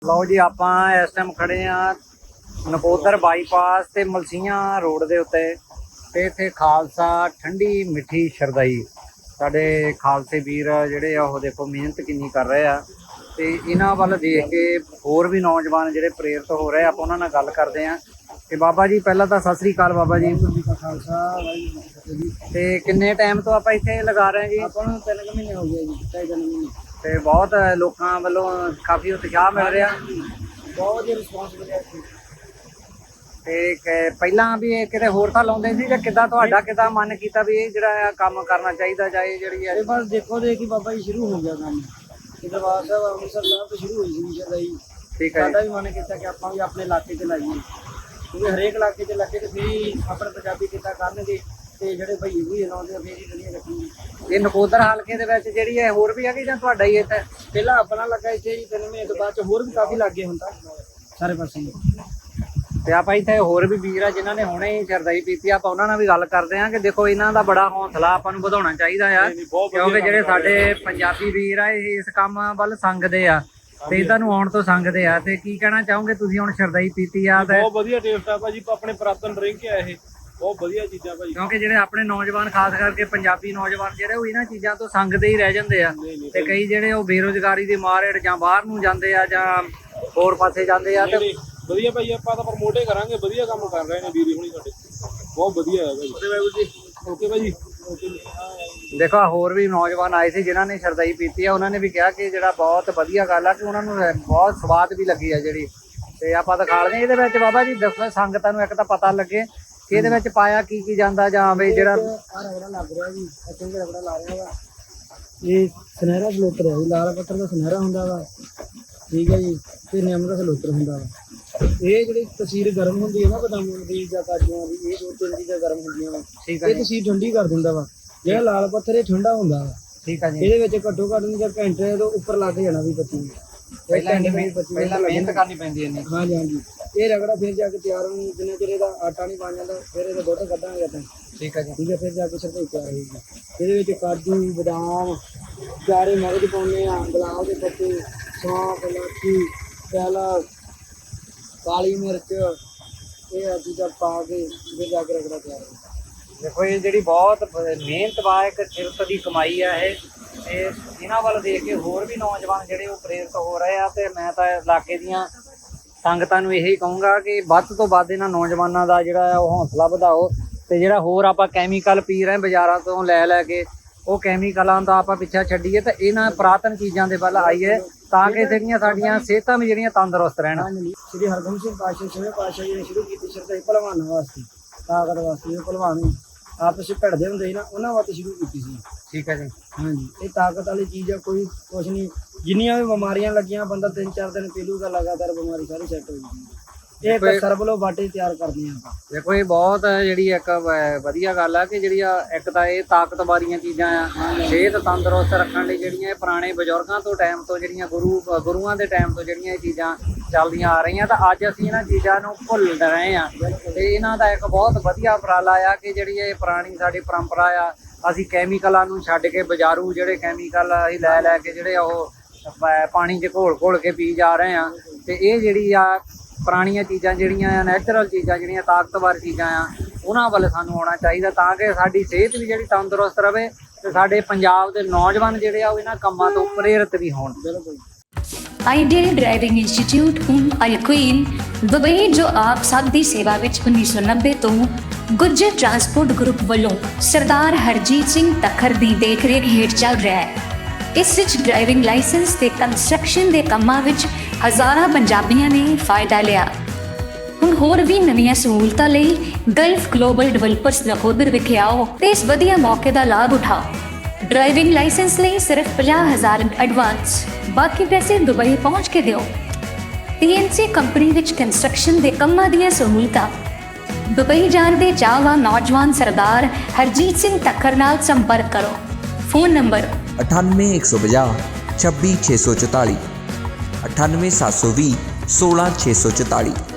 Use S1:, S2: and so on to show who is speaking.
S1: ਲਓ ਜੀ, ਆਪਾਂ ਇਸ ਟਾਈਮ ਖੜੇ ਆ ਨਕੋਦਰ ਬਾਈਪਾਸ ਤੇ ਮਲਸੀਆਂ ਰੋਡ ਦੇ ਉੱਤੇ ਤੇ ਇੱਥੇ ਖਾਲਸਾ ਠੰਡੀ ਮਿੱਠੀ ਸ਼ਰਦਾਈ। ਸਾਡੇ ਖਾਲਸੇ ਵੀਰ ਜਿਹੜੇ ਆ ਉਹ ਦੇਖੋ ਮਿਹਨਤ ਕਿੰਨੀ ਕਰ ਰਹੇ ਆ ਤੇ ਇਹਨਾਂ ਵੱਲ ਦੇਖ ਕੇ ਹੋਰ ਵੀ ਨੌਜਵਾਨ ਜਿਹੜੇ ਪ੍ਰੇਰਿਤ ਹੋ ਰਹੇ, ਆਪਾਂ ਉਹਨਾਂ ਨਾਲ ਗੱਲ ਕਰਦੇ ਆ। ਤੇ ਬਾਬਾ ਜੀ ਪਹਿਲਾਂ ਤਾਂ ਸਤਿ ਸ੍ਰੀ ਅਕਾਲ ਬਾਬਾ ਜੀ। ਤੇ ਕਿੰਨੇ ਟਾਈਮ ਤੋਂ ਆਪਾਂ ਇੱਥੇ ਲਗਾ ਰਹੇ ਜੀ?
S2: ਆਪਾਂ ਨੂੰ 3 ਮਹੀਨੇ ਹੋ ਗਏ ਜੀ, 2.5 ਮਹੀਨੇ।
S1: ਤੇ ਬਹੁਤ ਲੋਕਾਂ ਵੱਲੋਂ ਕਾਫੀ ਉਤਸ਼ਾਹ ਮਿਲ ਰਿਹਾ,
S2: ਬਹੁਤ ਹੀ ਰਿਸਪੌਂਸ ਮਿਲਿਆ।
S1: ਤੇ ਪਹਿਲਾਂ ਵੀ ਇਹ ਕਿਤੇ ਹੋਰ ਤਾਂ ਲਾਉਂਦੇ ਸੀ ਜਾਂ ਕਿੱਦਾਂ ਤੁਹਾਡਾ ਕਿੱਦਾਂ ਮਨ ਕੀਤਾ ਵੀ ਇਹ ਜਿਹੜਾ ਕੰਮ ਕਰਨਾ ਚਾਹੀਦਾ ਜਾਂ ਇਹ ਜਿਹੜੀ ਹੈ?
S2: ਬਸ ਦੇਖੋ ਦੇਖੀ ਬਾਬਾ ਜੀ ਸ਼ੁਰੂ ਹੋ ਗਿਆ ਕੰਮ। ਦਰਬਾਰ ਸਾਹਿਬ ਅੰਮ੍ਰਿਤਸਰ ਸਾਹਿਬ ਤੋਂ ਸ਼ੁਰੂ ਹੋਈ ਸੀ ਸ਼ਰਦਾਈ।
S1: ਠੀਕ ਹੈ,
S2: ਸਾਡਾ ਵੀ ਮਨ ਕੀਤਾ ਕਿ ਆਪਾਂ ਵੀ ਆਪਣੇ ਇਲਾਕੇ 'ਚ ਲਾਈਏ, ਕਿਉਂਕਿ ਹਰੇਕ ਇਲਾਕੇ 'ਚ ਲੱਗੇ ਤੇ ਫਿਰ ਆਪਣੇ ਪੰਜਾਬੀ ਕਿੱਤਾ ਕਰਨਗੇ ਤੇ ਜਿਹੜੇ ਭਈਏ ਵੀ ਲਾਉਂਦੇ ਆ ਫਿਰ ਹੀ ਦੁਨੀਆ ਰੱਖਣਗੇ।
S1: ਇਹ ਨਕੋਦਰ ਹਲਕੇ ਦੇ ਵਿੱਚ ਜਿਹੜੀ ਹੈ ਹੋਰ ਵੀ ਹੈਗੀ ਜਾਂ ਤੁਹਾਡਾ ਹੀ ਇੱਥੇ?
S2: ਪਹਿਲਾਂ ਆਪਣਾ ਲੱਗਾ ਇੱਥੇ ਜੀ 3 ਮਹੀਨੇ ਤੋਂ ਬਾਅਦ 'ਚ ਹੋਰ ਵੀ ਕਾਫੀ ਲੱਗੇ ਹੁੰਦਾ ਸਾਰੇ ਪਾਸੇ।
S1: ਤੇ ਆਪਾਂ ਇੱਥੇ ਹੋਰ ਵੀ ਵੀਰ ਆ ਜਿਨ੍ਹਾਂ ਨੇ ਹੁਣੇ ਹੀ ਸ਼ਰਦਾਈ ਪੀਤੀ, ਆਪਾਂ ਉਹਨਾਂ ਨਾਲ ਵੀ ਗੱਲ ਕਰਦੇ ਆ ਕਿ ਦੇਖੋ ਇਹਨਾਂ ਦਾ ਬੜਾ ਹੌਸਲਾ ਆਪਾਂ ਨੂੰ ਵਧਾਉਣਾ ਚਾਹੀਦਾ ਆ, ਕਿਉਂਕਿ ਜਿਹੜੇ ਸਾਡੇ ਪੰਜਾਬੀ ਵੀਰ ਆ ਇਹ ਇਸ ਕੰਮ ਵੱਲ ਸੰਗਦੇ ਆ ਤੇ ਇਹਨਾਂ ਨੂੰ ਆਉਣ ਤੋਂ ਸੰਗਦੇ ਆ। ਤੇ ਕੀ ਕਹਿਣਾ ਚਾਹੋਗੇ ਤੁਸੀਂ ਹੁਣ ਸ਼ਰਦਾਈ ਪੀਤੀ ਆ? ਤੇ
S3: ਬਹੁਤ ਵਧੀਆ ਟੇਸਟ ਆ ਭਾਜੀ, ਆਪਣੇ ਪੁਰਾਤਨ ਡਰਿੰਕ ਆ ਇਹ, ਬਹੁਤ ਵਧੀਆ ਚੀਜ਼ਾਂ ਭਾਜੀ।
S1: ਕਿਉਂਕਿ ਜਿਹੜੇ ਆਪਣੇ ਨੌਜਵਾਨ ਖਾਸ ਕਰਕੇ ਪੰਜਾਬੀ ਨੌਜਵਾਨ ਜਿਹੜੇ ਉਹ ਇਹਨਾਂ ਚੀਜ਼ਾਂ ਤੋਂ ਸੰਗਦੇ ਹੀ ਰਹਿ ਜਾਂਦੇ ਆ ਤੇ ਕਈ ਜਿਹੜੇ ਉਹ ਬੇਰੁਜ਼ਗਾਰੀ ਦੇ ਮਾਰੇ ਜਾਂ ਬਾਹਰ ਨੂੰ ਜਾਂਦੇ ਆ ਜਾਂ ਹੋਰ ਪਾਸੇ ਜਾਂਦੇ ਆ। ਤੇ
S3: ਵਧੀਆ ਭਾਈ, ਆਪਾਂ ਤਾਂ ਪ੍ਰਮੋਟ ਹੀ ਕਰਾਂਗੇ, ਵਧੀਆ ਕੰਮ ਕਰ ਰਹੇ ਨੇ ਵੀਰੇ ਹੁਣੀ ਸਾਡੇ, ਬਹੁਤ ਵਧੀਆ ਹੈ ਭਾਈ। ਓਕੇ ਭਾਜੀ।
S1: ਦੇਖੋ ਹੋਰ ਵੀ ਨੌਜਵਾਨ ਆਏ ਸੀ ਜਿਨ੍ਹਾਂ ਨੇ ਸ਼ਰਦਾਈ ਪੀਤੀ ਆ, ਉਹਨਾਂ ਨੇ ਵੀ ਕਿਹਾ ਕਿ ਜਿਹੜਾ ਬਹੁਤ ਵਧੀਆ ਗੱਲ ਆ ਕਿ ਉਹਨਾਂ ਨੂੰ ਬਹੁਤ ਸਵਾਦ ਵੀ ਲੱਗੀ ਆ ਜਿਹੜੀ। ਤੇ ਆਪਾਂ ਦਿਖਾਲਦੇ ਇਹਦੇ ਵਿੱਚ ਬਾਬਾ ਜੀ ਦੱਸੋ ਸੰਗਤਾਂ ਨੂੰ ਇੱਕ ਤਾਂ ਪਤਾ ਲੱਗੇ ਕਿ ਇਹਦੇ ਵਿੱਚ ਪਾਇਆ ਕੀ ਕੀ ਜਾਂਦਾ ਜਾਂ ਵੀ ਜਿਹੜਾ
S2: ਰਗੜਾ ਲੱਗ ਰਿਹਾ ਜੀ, ਚੰਗੇ ਰਗੜਾ ਲਾ ਰਿਹਾ ਵਾ। ਇਹ ਸੁਨਹਿਰਾ ਸਲੋਤਰ ਹੈ ਜੀ, ਲਾਲ ਪੱਥਰ ਦਾ ਸੁਨਹਿਰਾ ਹੁੰਦਾ ਵਾ, ਠੀਕ ਹੈ ਜੀ, ਤੇ ਨਿੰਮ ਦਾ ਸਲੋਤਰ ਹੁੰਦਾ ਵਾ। ਇਹ ਜਿਹੜੀ ਤਸੀਰ ਗਰਮ ਹੁੰਦੀ ਹੈ ਨਾ ਬਦਾਮਾਂ ਦੀ ਜਾਂ ਕਾਜੂਆਂ ਦੀ, ਇਹ 2-3 ਚੀਜ਼ਾਂ ਗਰਮ ਹੁੰਦੀਆਂ ਵਾ,
S1: ਠੀਕ ਹੈ
S2: ਇਹ ਤਸੀਰ ਠੰਡੀ ਕਰ ਦਿੰਦਾ ਵਾ। ਜਿਹੜਾ ਲਾਲ ਪੱਥਰ ਇਹ ਠੰਡਾ ਹੁੰਦਾ ਵਾ।
S1: ਠੀਕ ਹੈ ਜੀ।
S2: ਇਹਦੇ ਵਿੱਚ ਘੱਟੋ ਘੱਟ ਨਹੀਂ ਤਾਂ ਘੰਟੇ ਤੋਂ ਉੱਪਰ ਲੱਗ ਜਾਣਾ ਵੀ 25
S1: ਪਹਿਲਾਂ ਮਿਹਨਤ ਕਰਨੀ ਪੈਂਦੀ ਹੈ।
S2: ਹਾਂਜੀ ਹਾਂਜੀ। ਇਹ ਰਗੜਾ ਫਿਰ ਜਾ ਕੇ ਤਿਆਰ ਹੋਣੀ, ਜਿੰਨੇ ਚਿਰ ਇਹਦਾ ਆਟਾ ਨਹੀਂ ਬਣ ਜਾਂਦਾ ਫਿਰ ਇਹਦਾ ਦੁੱਧ ਕੱਢਾਂਗੇ ਆਪਾਂ।
S1: ਠੀਕ ਹੈ ਜੀ।
S2: ਠੀਕ ਹੈ, ਫਿਰ ਜਾ ਕੇ ਸ਼ਰਦਾਈ ਤਿਆਰ ਹੋਏਗੀ। ਇਹਦੇ ਵਿੱਚ ਕਾਜੂ, ਬਦਾਮ, ਚਾਰੇ ਮਗਜ਼ ਪਾਉਂਦੇ ਆ, ਗੁਲਾਬ ਦੇ ਪੱਤੇ, ਸੌਂਫ, ਇਲਾਚੀ, ਪਿਆਲਾ, ਕਾਲੀ ਮਿਰਚ, ਇਹ ਚੀਜ਼ਾਂ ਪਾ ਕੇ ਫਿਰ ਜਾ ਕੇ ਰਗੜਾ ਤਿਆਰ ਹੋਏਗਾ।
S1: ਦੇਖੋ ਇਹ ਜਿਹੜੀ ਬਹੁਤ ਮਿਹਨਤ ਵਾ, ਇੱਕ ਕਿਰਤ ਦੀ ਕਮਾਈ ਆ ਇਹ। ਤੇ ਇਹਨਾਂ ਵੱਲ ਦੇਖ ਕੇ ਹੋਰ ਵੀ ਨੌਜਵਾਨ ਜਿਹੜੇ ਉਹ ਪ੍ਰੇਰਿਤ ਹੋ ਰਹੇ ਆ। ਤੇ ਮੈਂ ਤਾਂ ਇਲਾਕੇ ਦੀਆਂ ਸੰਗਤਾਂ ਨੂੰ ਇਹੀ ਕਹੂੰਗਾ ਕਿ ਵੱਧ ਤੋਂ ਵੱਧ ਇਹਨਾਂ ਨੌਜਵਾਨਾਂ ਦਾ ਜਿਹੜਾ ਉਹ ਹੌਸਲਾ ਵਧਾਓ। ਤੇ ਜਿਹੜਾ ਹੋਰ ਆਪਾਂ ਕੈਮੀਕਲ ਪੀ ਰਹੇ ਬਾਜ਼ਾਰਾਂ ਤੋਂ ਲੈ ਕੇ, ਉਹ ਕੈਮੀਕਲਾਂ ਦਾ ਆਪਾਂ ਪਿੱਛਾ ਛੱਡੀਏ ਤੇ ਇਹਨਾਂ ਪੁਰਾਤਨ ਚੀਜ਼ਾਂ ਦੇ ਵੱਲ ਆਈਏ ਤਾਂ ਕਿ ਜਿਹੜੀਆਂ ਸਾਡੀਆਂ ਸਿਹਤਾਂ ਵੀ ਜਿਹੜੀਆਂ ਤੰਦਰੁਸਤ ਰਹਿਣ।
S2: ਸ਼੍ਰੀ ਹਰਗੋਬਿੰਦ ਸਿੰਘ ਪਾਤਸ਼ਾਹ 6ਵੇਂ ਪਾਤਸ਼ਾਹ ਜੀ ਨੇ ਸ਼ੁਰੂ ਕੀਤੀ ਸ਼ਰਦਾਈ ਭਲਵਾਨਾਂ ਵਾਸਤੇ, ਤਾਕਤ ਵਾਸਤੇ। ਇਹ ਭਲਵਾਨ ਆਪਸ ਵਿੱਚ ਭਿੜਦੇ ਹੁੰਦੇ ਸੀ ਨਾ, ਉਹਨਾਂ ਵਾਸਤੇ ਸ਼ੁਰੂ ਕੀਤੀ ਸੀ।
S1: ਠੀਕ ਹੈ ਜੀ।
S2: ਹਾਂਜੀ, ਇਹ ਤਾਕਤ ਵਾਲੀ ਚੀਜ਼ ਆ, ਕੋਈ ਕੁਛ ਨਹੀਂ। ਜਿੰਨੀਆਂ ਵੀ ਬਿਮਾਰੀਆਂ ਲੱਗੀਆਂ ਬੰਦਾ 3-4 ਦਿਨ ਪੀ ਲੂਗਾ, ਲਗਾਤਾਰ ਬਿਮਾਰੀ ਸਾਰੀ ਸੈੱਟ ਹੋ ਜਾਂਦੀ ਹੈ। ਇਹ ਇੱਕ ਸਰਬਲੋ ਬਾਟੇ ਤਿਆਰ ਕਰਦੇ ਆ ਆਪਾਂ।
S1: ਦੇਖੋ ਇਹ ਬਹੁਤ ਜਿਹੜੀ ਇੱਕ ਵਧੀਆ ਗੱਲ ਆ ਕਿ ਜਿਹੜੀਆਂ ਇੱਕ ਤਾਂ ਇਹ ਤਾਕਤ ਵਾਲੀਆਂ ਚੀਜ਼ਾਂ ਆ, ਸਿਹਤ ਤੰਦਰੁਸਤ ਰੱਖਣ ਲਈ ਜਿਹੜੀਆਂ ਇਹ ਪੁਰਾਣੇ ਬਜ਼ੁਰਗਾਂ ਤੋਂ ਟਾਈਮ ਤੋਂ ਜਿਹੜੀਆਂ ਗੁਰੂਆਂ ਦੇ ਟਾਈਮ ਤੋਂ ਜਿਹੜੀਆਂ ਇਹ ਚੀਜ਼ਾਂ ਚੱਲਦੀਆਂ ਆ ਰਹੀਆਂ, ਤਾਂ ਅੱਜ ਅਸੀਂ ਇਹਨਾਂ ਚੀਜ਼ਾਂ ਨੂੰ ਭੁੱਲ ਰਹੇ ਆ। ਤੇ ਇਹਨਾਂ ਦਾ ਇੱਕ ਬਹੁਤ ਵਧੀਆ ਉਪਰਾਲਾ ਆ ਕਿ ਜਿਹੜੀ ਇਹ ਪੁਰਾਣੀ ਸਾਡੀ ਪਰੰਪਰਾ ਆ, ਅਸੀਂ ਕੈਮੀਕਲਾਂ ਨੂੰ ਛੱਡ ਕੇ ਬਾਜ਼ਾਰੂ ਜਿਹੜੇ ਕੈਮੀਕਲ ਅਸੀਂ ਲੈ ਕੇ ਜਿਹੜੇ ਉਹ ਪਾਣੀ 'ਚ ਘੋਲ ਕੇ ਪੀ ਜਾ ਰਹੇ ਆ। ਤੇ ਇਹ ਜਿਹੜੀ ਆ ਪੁਰਾਣੀਆਂ ਚੀਜ਼ਾਂ ਜਿਹੜੀਆਂ ਆ, ਨੈਚੁਰਲ ਚੀਜ਼ਾਂ ਜਿਹੜੀਆਂ ਤਾਕਤਵਰ ਚੀਜ਼ਾਂ ਆ, ਉਹਨਾਂ ਵੱਲ ਸਾਨੂੰ ਆਉਣਾ ਚਾਹੀਦਾ ਤਾਂ ਕਿ ਸਾਡੀ ਸਿਹਤ ਵੀ ਜਿਹੜੀ ਤੰਦਰੁਸਤ ਰਵੇ ਤੇ ਸਾਡੇ ਪੰਜਾਬ ਦੇ ਨੌਜਵਾਨ ਜਿਹੜੇ ਆ ਉਹ ਇਹਨਾਂ ਕੰਮਾਂ ਤੋਂ ਪ੍ਰੇਰਿਤ ਵੀ ਹੋਣ। ਬਿਲਕੁਲ।
S4: ਆਈਡੀਅਲ ਡਰਾਈਵਿੰਗ ਇੰਸਟੀਚਿਊਟ ਯਕੀਨ ਦੁਬਈ ਜੋ ਆਪ ਸਭ ਦੀ ਸੇਵਾ ਵਿੱਚ 1990 ਤੋਂ ਗੁੱਜਰ ਟਰਾਂਸਪੋਰਟ ਗਰੁੱਪ ਵੱਲੋਂ ਸਰਦਾਰ ਹਰਜੀਤ ਸਿੰਘ ਤੱਖਰ ਦੀ ਦੇਖਰੇਖ ਹੇਠ ਚੱਲ ਰਿਹਾ ਹੈ। ਇਸ ਵਿੱਚ ਡਰਾਈਵਿੰਗ ਲਾਇਸੈਂਸ ਤੇ ਕੰਸਟਰਕਸ਼ਨ ਦੇ ਕੰਮਾਂ ਵਿੱਚ ਹਜ਼ਾਰਾਂ ਪੰਜਾਬੀਆਂ ਨੇ ਫਾਇਦਾ ਲਿਆ। ਹੁਣ ਹੋਰ ਵੀ ਨਵੀਆਂ ਸਹੂਲਤਾਂ ਲਈ ਗਲਫ ਗਲੋਬਲ ਡਿਵੈਲਪਰਸ ਨਕੋਦਰ ਵਿਖੇ ਆਓ ਤੇ ਇਸ ਵਧੀਆ ਮੌਕੇ ਦਾ ਲਾਭ ਉਠਾਓ। ਡਰਾਈਵਿੰਗ ਲਾਇਸੈਂਸ ਲਈ ਸਿਰਫ 50,000 ਐਡਵਾਂਸ, ਬਾਕੀ ਪੈਸੇ ਦੁਬਈ ਪਹੁੰਚ ਕੇ ਦਿਓ। TNC ਕੰਪਨੀ ਵਿੱਚ ਕੰਸਟਰਕਸ਼ਨ ਦੇ ਕੰਮਾਂ ਦੀਆਂ ਸਹੂਲਤਾਂ। ਦੁਬਈ ਜਾਣ ਦੇ ਚਾਹਵਾਨ ਨੌਜਵਾਨ ਸਰਦਾਰ ਹਰਜੀਤ ਸਿੰਘ ਤੱਖਰ ਨਾਲ ਸੰਪਰਕ ਕਰੋ। Phone number
S5: 98 150 26 644, 98 720 16 644।